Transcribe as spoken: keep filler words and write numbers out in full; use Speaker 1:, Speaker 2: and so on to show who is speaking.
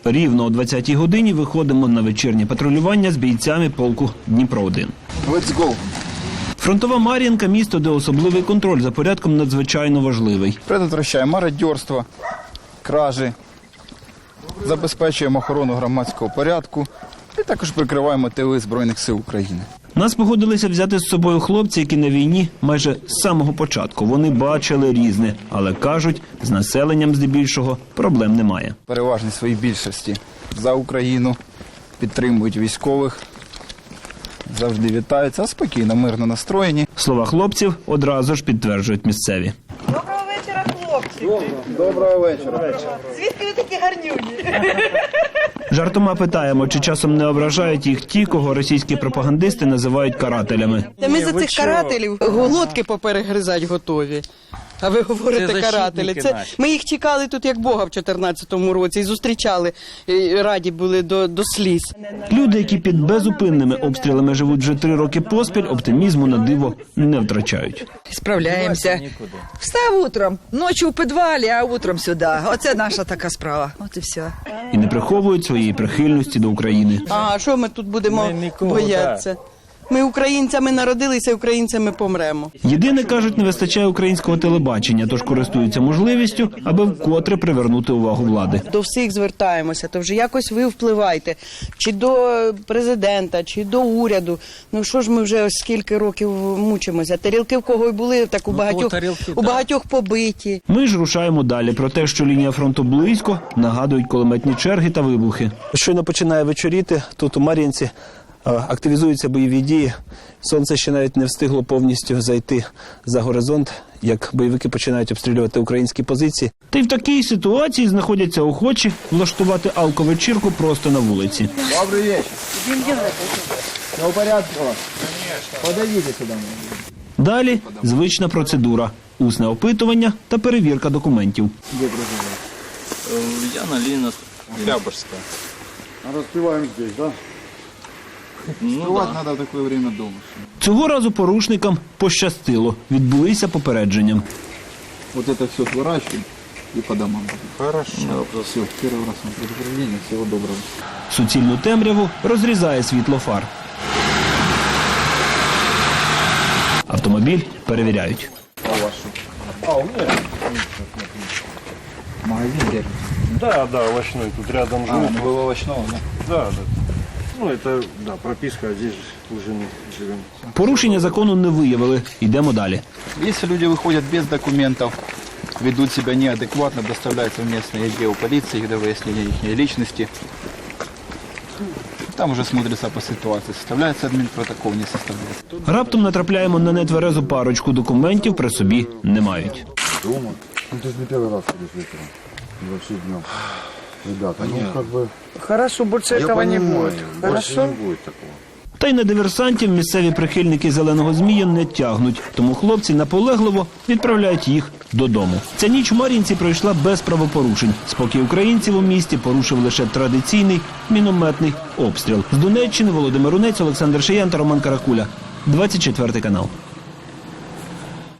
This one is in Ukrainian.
Speaker 1: Рівно о двадцятій годині виходимо на вечірнє патрулювання з бійцями полку Дніпро один.
Speaker 2: Let's go!
Speaker 1: Фронтова Мар'їнка – місто, де особливий контроль за порядком надзвичайно важливий.
Speaker 2: Предотвращаємо мародерство, кражі, забезпечуємо охорону громадського порядку і також прикриваємо тили Збройних сил України.
Speaker 1: Нас погодилися взяти з собою хлопці, які на війні майже з самого початку. Вони бачили різне, але кажуть, з населенням здебільшого проблем немає.
Speaker 2: Переважній своїй більшості за Україну, підтримують військових, завжди вітаються, спокійно, мирно настроєні.
Speaker 1: Слова хлопців одразу ж підтверджують місцеві.
Speaker 3: Доброго вечора, хлопці.
Speaker 2: Доброго вечора.
Speaker 3: Звідки ви такі гарнюні?
Speaker 1: Жартома питаємо, чи часом не ображають їх ті, кого російські пропагандисти називають карателями.
Speaker 4: Та ми за цих карателів глотки поперегризать готові. А ви говорите карателі. Це ми їх чекали тут як Бога в чотирнадцятому році і зустрічали, і раді були до, до сліз.
Speaker 1: Люди, які під безупинними обстрілами живуть вже три роки поспіль, оптимізму на диво не втрачають.
Speaker 5: Справляємося. Встав утром, ночі у підвалі, а утром сюди. Оце наша така справа. От і все.
Speaker 1: І не приховують своєї прихильності до України.
Speaker 4: А що ми тут будемо боятися? Ми українцями народилися, українцями помремо.
Speaker 1: Єдине, кажуть, не вистачає українського телебачення, тож користуються можливістю, аби вкотре привернути увагу влади.
Speaker 4: До всіх звертаємося, то вже якось ви впливайте. Чи до президента, чи до уряду. Ну що ж ми вже ось скільки років мучимося. Тарілки в кого й були, так у багатьох, у багатьох побиті.
Speaker 1: Ми ж рушаємо далі. Про те, що лінія фронту близько, нагадують кулеметні черги та вибухи. Щойно починає вечоріти, тут у Мар'їнці активізуються бойові дії. Сонце ще навіть не встигло повністю зайти за горизонт, як бойовики починають обстрілювати українські позиції. Та й в такій ситуації знаходяться охочі влаштувати алковечірку просто на вулиці.
Speaker 2: Добрий вечір. Все в порядку? Подойдите сюди.
Speaker 1: Далі звична процедура – усне опитування та перевірка документів.
Speaker 2: Де проживаєте?
Speaker 6: Я на Ленина, Октябрьская.
Speaker 7: А распеваем здесь, да?
Speaker 6: Ну,
Speaker 2: Співати
Speaker 6: да.
Speaker 2: треба в таке время вдома.
Speaker 1: Цього разу порушникам пощастило. Відбулися попередженням.
Speaker 2: Вот это все сворачиваем и по домам.
Speaker 6: Хорошо.
Speaker 2: Да, все, первый раз на предупреждение, всего доброго.
Speaker 1: Суцільну темряву розрізає світло фар. Автомобіль перевіряють.
Speaker 2: А вашу? А, у меня? Магазин держит.
Speaker 7: Да, да, овощной. Тут рядом
Speaker 2: А,
Speaker 7: живут.
Speaker 2: ну было овощного, да?
Speaker 7: Да, да. Ну, это, да, прописка, а здесь уже мы живем.
Speaker 1: Порушення закону не виявили. Йдемо далі.
Speaker 2: Если люди выходят без документов, ведут себя неадекватно, доставляются в местное отдел полиции для выяснения их личности. Там уже смотрится по ситуации. Составляется админпротокол, не составляется.
Speaker 1: Раптом натрапляємо на нетверезу парочку. Документів при собі не мають.
Speaker 7: Дома? Ну, ты же не первый раз ходишь вечером. И вообще днем. Ребята, ну, как бы...
Speaker 5: Хорошо, більше цього не буде.
Speaker 7: Больше не будет такого.
Speaker 1: Та й на диверсантів місцеві прихильники «Зеленого змія» не тягнуть. Тому хлопці наполегливо відправляють їх додому. Ця ніч у Мар'їнці пройшла без правопорушень. Спокій українців у місті порушив лише традиційний мінометний обстріл. З Донеччини Володимир Рунець, Олександр Шиян та Роман Каракуля. двадцять четвертий канал.